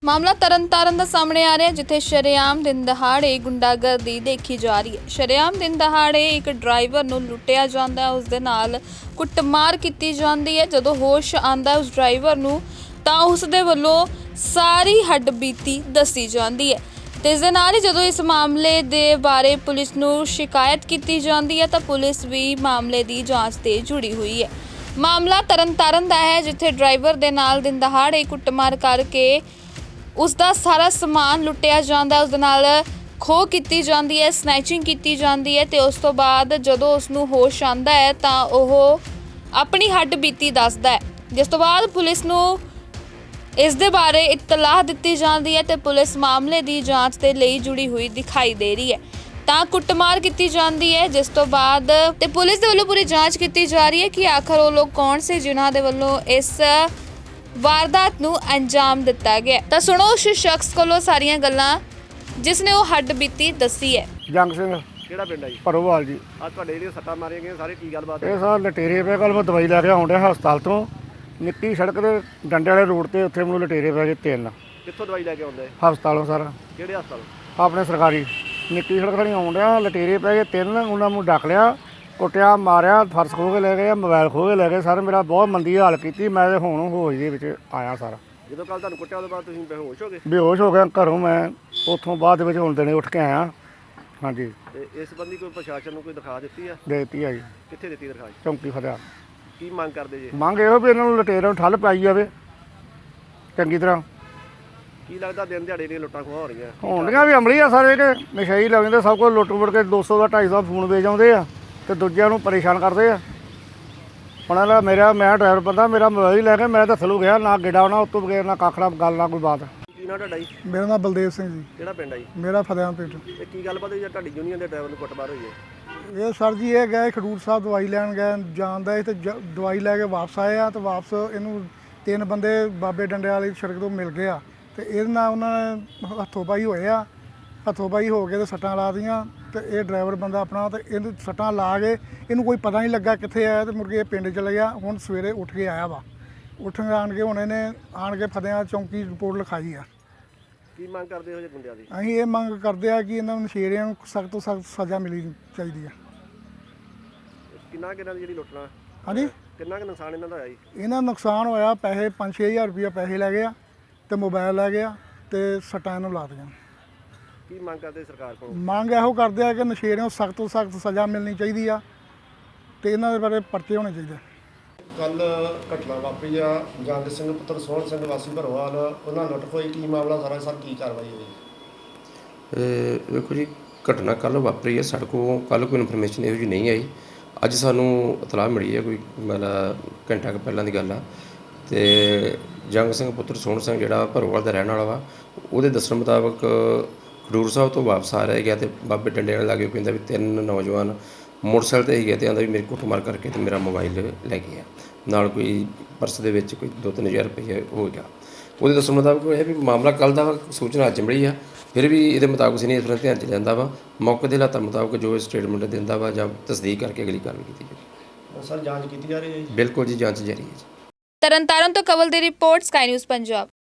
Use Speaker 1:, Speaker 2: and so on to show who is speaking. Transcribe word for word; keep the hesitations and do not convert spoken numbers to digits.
Speaker 1: ਮਾਮਲਾ ਤਰਨਤਾਰਨ ਦਾ ਸਾਹਮਣੇ ਆ ਰਿਹਾ ਹੈ, ਜਿੱਥੇ ਸ਼ਰੇਆਮ ਦਿਨ ਦਹਾੜੇ ਗੁੰਡਾਗਰਦੀ ਦੇਖੀ ਜਾ ਰਹੀ ਹੈ। ਸ਼ਰੇਆਮ ਦਿਨ ਦਹਾੜੇ ਇੱਕ ਡਰਾਈਵਰ ਨੂੰ ਲੁੱਟਿਆ ਜਾਂਦਾ ਹੈ, ਉਸ ਦੇ ਨਾਲ ਕੁੱਟਮਾਰ ਕੀਤੀ ਜਾਂਦੀ ਹੈ। ਜਦੋਂ ਹੋਸ਼ ਆਂਦਾ ਉਸ ਡਰਾਈਵਰ ਨੂੰ ਤਾਂ ਉਸ ਦੇ ਵੱਲੋਂ ਸਾਰੀ ਹੱਡਬੀਤੀ ਦੱਸੀ ਜਾਂਦੀ ਹੈ ਤੇ ਇਸ ਦੇ ਨਾਲ ਹੀ ਜਦੋਂ ਇਸ ਮਾਮਲੇ ਦੇ ਬਾਰੇ ਪੁਲਿਸ ਨੂੰ ਸ਼ਿਕਾਇਤ ਕੀਤੀ ਜਾਂਦੀ ਹੈ ਤਾਂ ਪੁਲਿਸ ਵੀ ਮਾਮਲੇ ਦੀ ਜਾਂਚ ਤੇ ਜੁੜੀ ਹੋਈ ਹੈ। ਮਾਮਲਾ ਤਰਨਤਾਰਨ ਦਾ ਹੈ, ਜਿੱਥੇ ਡਰਾਈਵਰ ਦੇ ਨਾਲ ਦਿਨ ਦਹਾੜੇ ਕੁੱਟਮਾਰ ਕਰਕੇ ਉਸ ਦਾ ਸਾਰਾ ਸਮਾਨ ਲੁੱਟਿਆ ਜਾਂਦਾ ਹੈ, ਉਸ ਦੇ ਨਾਲ ਖੋਹ ਕੀਤੀ ਜਾਂਦੀ ਹੈ, ਸਨੈਚਿੰਗ ਕੀਤੀ ਜਾਂਦੀ ਹੈ ਤੇ ਉਸ ਤੋਂ ਬਾਅਦ ਜਦੋਂ ਉਸ ਨੂੰ ਹੋਸ਼ ਆਂਦਾ ਹੈ ਤਾਂ ਉਹ ਆਪਣੀ ਹੱਡ ਬੀਤੀ ਦੱਸਦਾ ਹੈ, ਜਿਸ ਤੋਂ ਬਾਅਦ ਪੁਲਿਸ ਨੂੰ ਇਸ ਦੇ ਬਾਰੇ ਇਤਲਾਹ ਦਿੱਤੀ ਜਾਂਦੀ ਹੈ ਤੇ ਪੁਲਿਸ ਮਾਮਲੇ ਦੀ ਜਾਂਚ ਦੇ ਲਈ ਜੁੜੀ ਹੋਈ ਦਿਖਾਈ ਦੇ ਰਹੀ ਹੈ। ਤਾਂ ਕੁੱਟਮਾਰ ਕੀਤੀ ਜਾਂਦੀ ਹੈ, ਜਿਸ ਤੋਂ ਬਾਅਦ ਤੇ ਪੁਲਿਸ ਦੇ ਵੱਲੋਂ ਪੂਰੀ ਜਾਂਚ ਕੀਤੀ ਜਾ ਰਹੀ ਹੈ ਕਿ ਆਖਰ ਉਹ ਲੋਕ ਕੌਣ ਸੀ ਜਿਨ੍ਹਾਂ ਦੇ ਵੱਲੋਂ ਇਸ ਵਾਰਦਾਤ ਨੂੰ ਅੰਜਾਮ ਦਿੱਤਾ ਗਿਆ। ਤਾਂ ਸੁਣੋ ਉਸ ਸ਼ਖਸ ਕੋਲੋਂ ਸਾਰੀਆਂ ਗੱਲਾਂ ਜਿਸ ਨੇ ਉਹ ਹੱਡ ਬੀਤੀ ਦੱਸੀ ਹੈ।
Speaker 2: ਜੰਗ ਸਿੰਘ
Speaker 3: ਕਿਹੜਾ ਪਿੰਡ ਆ ਜੀ?
Speaker 2: ਭਰੋਵਾਲ ਜੀ।
Speaker 3: ਆ ਤੁਹਾਡੇ ਜਿਹੜੇ ਸੱਟਾਂ ਮਾਰੀਆਂ ਗਈਆਂ ਸਾਰੇ ਕੀ ਗੱਲਬਾਤ ਹੈ?
Speaker 2: ਇਹ ਸਾਰ ਲਟੇਰੇ ਪਏ। ਕੱਲ੍ਹ ਮੈਂ ਦਵਾਈ ਲੈ ਕੇ ਆਉਣ ਡਿਆ ਹਸਪਤਾਲ ਤੋਂ, ਨਿੱਕੀ ਸੜਕ ਦੇ ਡੰਡੇ ਵਾਲੇ ਰੋਡ ਤੇ, ਉੱਥੇ ਮੈਨੂੰ ਲਟੇਰੇ ਪੈ ਗਏ ਤਿੰਨ।
Speaker 3: ਕਿੱਥੋਂ ਦਵਾਈ ਲੈ ਕੇ ਆਉਂਦੇ?
Speaker 2: ਹਸਪਤਾਲੋਂ ਸਾਰਾ।
Speaker 3: ਕਿਹੜੇ ਹਸਪਤਾਲ?
Speaker 2: ਆਪਣੇ ਸਰਕਾਰੀ। ਨਿੱਕੀ ਸੜਕ ਥਾਣੀ ਆਉਣ ਡਿਆ, ਲਟੇਰੇ ਪੈ ਗਏ ਤਿੰਨ। ਉਹਨਾਂ ਨੂੰ ਡੱਕ ਲਿਆ, ਕੁੱਟਿਆ, ਮਾਰਿਆ, ਫਰਸ਼ ਖੋਹ ਕੇ ਲੈ ਗਏ, ਮੋਬਾਈਲ ਖੋਹ ਕੇ ਲੈ ਗਏ। ਸਰ ਮੇਰਾ ਬਹੁਤ ਮੰਦੀ ਹਾਲ ਕੀਤੀ। ਮੈਂ ਤੇ ਹੁਣ ਹੋਸ਼ ਦੇ ਵਿੱਚ ਆਇਆ ਸਾਰਾ।
Speaker 3: ਜਦੋਂ ਕੱਲ ਤੁਹਾਨੂੰ ਕੁੱਟਿਆ ਉਹਦੇ ਬਾਅਦ ਤੁਸੀਂ ਬੇਹੋਸ਼ ਹੋ ਗਏ?
Speaker 2: ਬੇਹੋਸ਼ ਹੋ ਗਿਆ ਘਰੋਂ। ਮੈਂ ਉੱਥੋਂ ਬਾਅਦ ਦੇ ਵਿੱਚ ਹੁਣ ਦਿਨੇ ਉੱਠ ਕੇ ਆਇਆ। ਹਾਂਜੀ।
Speaker 3: ਤੇ ਇਸ ਸੰਬੰਧੀ ਕੋਈ ਪ੍ਰਸ਼ਾਸਨ ਨੂੰ ਕੋਈ ਦਰਖਾਸਤ ਦਿੱਤੀ ਆ?
Speaker 2: ਦੇ ਦਿੱਤੀ ਆ ਜੀ।
Speaker 3: ਕਿੱਥੇ ਦਿੱਤੀ ਦਰਖਾਸਤ?
Speaker 2: ਚੌਂਕੀ ਫਤਿਆ।
Speaker 3: ਕੀ ਮੰਗ ਕਰਦੇ ਜੀ?
Speaker 2: ਮੰਗ ਇਹੋ ਵੀ ਇਹਨਾਂ ਨੂੰ ਲਟੇਰਿਆਂ ਨੂੰ ਠੱਲ ਪਾਈ ਜਾਵੇ ਚੰਗੀ ਤਰ੍ਹਾਂ।
Speaker 3: ਕੀ ਲੱਗਦਾ ਦਿਨ ਦਿਹਾੜੇ ਦੀਆਂ ਲੁੱਟਾਂ ਖੋਹਾਂ ਹੋ ਰਹੀਆਂ?
Speaker 2: ਹੋਣੀਆਂ ਵੀ ਅਮਲੀ ਆ ਸਾਰੇ, ਕਿ ਨਸ਼ਈ ਲੱਗ ਜਾਂਦੇ, ਸਭ ਕੁਝ ਲੁੱਟ ਮੁੜ ਕੇ ਦੋ ਸੌ ਦਾ ਢਾਈ ਸੌ ਫੋਨ ਵੇਚ ਆਉਂਦੇ ਆ ਤੇ ਦੂਜਿਆਂ ਨੂੰ ਪਰੇਸ਼ਾਨ ਕਰਦੇ ਆ। ਹੁਣ ਇਹਦਾ ਮੇਰਾ ਮੈਂ ਡਰਾਈਵਰ ਬੰਦਾ, ਮੇਰਾ ਮੋਬਾਈਲ ਲੈ ਕੇ ਮੈਂ ਤਾਂ ਥੱਲੋਂ ਗਿਆ, ਨਾ ਗਿੱਡਾ ਨਾ ਉੱਤੋਂ ਬਗੈਰ, ਨਾ ਕੱਖ, ਨਾ ਗੱਲ, ਨਾ ਕੋਈ ਬਾਤ।
Speaker 3: ਕੀ ਨਾਂ ਤੁਹਾਡਾ ਜੀ?
Speaker 4: ਮੇਰਾ ਨਾਮ ਬਲਦੇਵ ਸਿੰਘ ਜੀ।
Speaker 3: ਕਿਹੜਾ ਪਿੰਡ ਆ ਜੀ?
Speaker 4: ਮੇਰਾ ਫਤਿਆਂਪੁਰ ਪਿੰਡ।
Speaker 3: ਤੇ ਕੀ ਗੱਲਬਾਤ ਹੋਈ ਜੇ ਤੁਹਾਡੀ ਯੂਨੀਅਨ ਦੇ ਡਰਾਈਵਰ ਨੂੰ ਕੁੱਟਮਾਰ ਹੋਈ ਹੈ?
Speaker 4: ਇਹ ਸਰ ਜੀ ਇਹ ਗਏ ਖਡੂਰ ਸਾਹਿਬ ਦਵਾਈ ਲੈਣ ਗਏ, ਜਾਂਦਾ ਸੀ ਤੇ ਜ- ਦਵਾਈ ਲੈ ਕੇ ਵਾਪਸ ਆਏ ਆ ਤੇ ਵਾਪਸ ਇਹਨੂੰ ਤਿੰਨ ਬੰਦੇ ਬਾਬੇ ਡੰਡੇ ਵਾਲੀ ਸੜਕ ਤੋਂ ਮਿਲ ਗਏ ਆ ਤੇ ਇਹਦੇ ਨਾਲ ਉਹਨਾਂ ਨੇ ਹੱਥੋਂ ਪਾਈ ਹੋਏ ਆ। ਹੱਥੋਂ ਪਾਈ ਹੋ ਕੇ ਤੇ ਸੱਟਾਂ ਲਾ ਦੀਆਂ ਤੇ ਇਹ ਡਰਾਈਵਰ ਬੰਦਾ ਆਪਣਾ ਤੇ ਇਹਨੂੰ ਸੱਟਾਂ ਲਾ ਕੇ ਇਹਨੂੰ ਕੋਈ ਪਤਾ ਨਹੀਂ ਲੱਗਾ ਕਿੱਥੇ ਆਇਆ ਤੇ ਮੁੜ ਕੇ ਇਹ ਪਿੰਡ ਚਲੇ ਗਿਆ। ਹੁਣ ਸਵੇਰੇ ਉੱਠ ਕੇ ਆਇਆ ਵਾ। ਉੱਠ ਕੇ ਆਣ ਕੇ ਹੁਣ ਇਹਨੇ ਆਣ ਕੇ ਫਤਿਆਂ ਚੌਂਕੀ ਰਿਪੋਰਟ ਲਿਖਾਈ ਆ।
Speaker 3: ਕੀ ਮੰਗ ਕਰਦੇ ਹੋ ਜੇ ਗੁੰਡਿਆਂ ਦੀ?
Speaker 4: ਅਸੀਂ ਇਹ ਮੰਗ ਕਰਦੇ ਆ ਕਿ ਇਹਨਾਂ ਨੂੰ ਨਸ਼ੇੜੀਆਂ ਨੂੰ ਸਖਤ ਤੋਂ ਸਖਤ ਸਜ਼ਾ ਮਿਲਣੀ ਚਾਹੀਦੀ ਆ।
Speaker 3: ਕਿੰਨਾ ਕਿੰਨਾ ਦੀ ਜਿਹੜੀ ਲੁੱਟਣਾ?
Speaker 4: ਹਾਂਜੀ।
Speaker 3: ਕਿੰਨਾ ਕੁ ਨੁਕਸਾਨ ਇਹਨਾਂ ਦਾ ਹੋਇਆ ਜੀ?
Speaker 4: ਇਹਨਾਂ ਦਾ ਨੁਕਸਾਨ ਹੋਇਆ, ਪੈਸੇ ਪੰਜ ਛੇ ਹਜ਼ਾਰ ਰੁਪਇਆ ਪੈਸੇ ਲੈ ਗਏ ਆ ਤੇ ਮੋਬਾਈਲ ਲੈ ਗਿਆ ਤੇ ਸੱਟਾਂ ਇਹਨੂੰ ਲਾ ਦਿੱਤੀਆਂ।
Speaker 3: ਕੀ ਮੰਗ ਕਰਦੇ ਸਰਕਾਰ ਕੋਲ?
Speaker 4: ਮੰਗ ਇਹੋ ਕਰਦੇ ਆ ਕਿ ਨਸ਼ੇੜੀਆਂ ਨੂੰ ਸਖਤ ਤੋਂ ਸਖਤ ਸਜ਼ਾ ਮਿਲਣੀ ਚਾਹੀਦੀ ਆ ਤੇ ਇਹਨਾਂ ਦੇ ਬਾਰੇ ਪਰਚੇ ਹੋਣੇ ਚਾਹੀਦੇ।
Speaker 5: ਕੱਲ ਘਟਨਾ ਵਾਪਰੀ ਆ, ਜੰਗ ਸਿੰਘ ਪੁੱਤਰ ਸੋਹਣ ਸਿੰਘ ਵਾਸੀ ਭਰੋਵਾਲ, ਉਹਨਾਂ ਲੁੱਟ ਹੋਈ। ਕੀ ਮਾਮਲਾ ਸਾਰਾ ਸਰ, ਕੀ ਕਾਰਵਾਈ ਹੋਈ?
Speaker 6: ਇਹ ਵੇਖੋ ਜੀ, ਘਟਨਾ ਕੱਲ੍ਹ ਵਾਪਰੀ ਹੈ। ਸਾਡੇ ਕੋਲ ਕੱਲ੍ਹ ਕੋਈ ਇਨਫੋਰਮੇਸ਼ਨ ਇਹੋ ਜਿਹੀ ਨਹੀਂ ਆਈ। ਅੱਜ ਸਾਨੂੰ ਇਤਲਾਹ ਮਿਲੀ ਹੈ, ਕੋਈ ਮਤਲਬ ਘੰਟਾ ਕੁ ਪਹਿਲਾਂ ਦੀ ਗੱਲ ਆ। ਅਤੇ ਜੰਗ ਸਿੰਘ ਪੁੱਤਰ ਸੋਹਣ ਸਿੰਘ ਜਿਹੜਾ ਭਰੋਵਾਲ ਦਾ ਰਹਿਣ ਵਾਲਾ ਵਾ, ਉਹਦੇ ਦੱਸਣ ਮੁਤਾਬਕ ਖਡੂਰ ਸਾਹਿਬ ਤੋਂ ਵਾਪਸ ਆ ਰਿਹਾ ਗਿਆ ਅਤੇ ਬਾਬੇ ਡੰਡੇ ਵਾਲੇ ਲਾਗੇ ਕਹਿੰਦਾ ਵੀ ਤਿੰਨ ਨੌਜਵਾਨ ਮੋਟਰਸਾਈਕਲ 'ਤੇ ਹੀ ਗਿਆ ਅਤੇ ਆਂਦਾ ਵੀ ਮੇਰੇ ਕੁੱਟਮਾਰ ਕਰਕੇ ਅਤੇ ਮੇਰਾ ਮੋਬਾਈਲ ਲੈ ਗਿਆ। ਨਾਲ ਕੋਈ ਪਰਸ ਦੇ ਵਿੱਚ ਕੋਈ ਦੋ ਤਿੰਨ ਹਜ਼ਾਰ ਰੁਪਈਆ ਹੋ ਗਿਆ। ਉਹਦੇ ਦੱਸਣ ਮੁਤਾਬਕ ਇਹ ਵੀ ਮਾਮਲਾ ਕੱਲ੍ਹ ਦਾ ਵਾ, ਸੂਚਨਾ ਅੱਜ ਮਿਲੀ ਆ। ਫਿਰ ਵੀ ਇਹਦੇ ਮੁਤਾਬਕ ਅਸੀਂ ਇਸ ਤਰ੍ਹਾਂ ਧਿਆਨ 'ਚ ਲੈਂਦਾ ਵਾ। ਮੌਕੇ ਦੇ ਹਾਲਾਤਾਂ ਮੁਤਾਬਕ ਜੋ ਸਟੇਟਮੈਂਟ ਦਿੰਦਾ ਵਾ ਜਾਂ ਤਸਦੀਕ ਕਰਕੇ ਅਗਲੀ ਕਾਰਵਾਈ ਕੀਤੀ ਜਾਵੇ।
Speaker 5: ਸਰ ਜਾਂਚ ਕੀਤੀ ਜਾ ਰਹੀ ਹੈ ਜੀ?
Speaker 6: ਬਿਲਕੁਲ ਜੀ, ਜਾਂਚ ਜਾਰੀ ਹੈ ਜੀ।
Speaker 1: ਤਰਨਤਾਰਨ ਤੋਂ ਕਵਲ ਦੀ ਰਿਪੋਰਟ, ਸਕਾਈ ਨਿਊਜ਼ ਪੰਜਾਬ।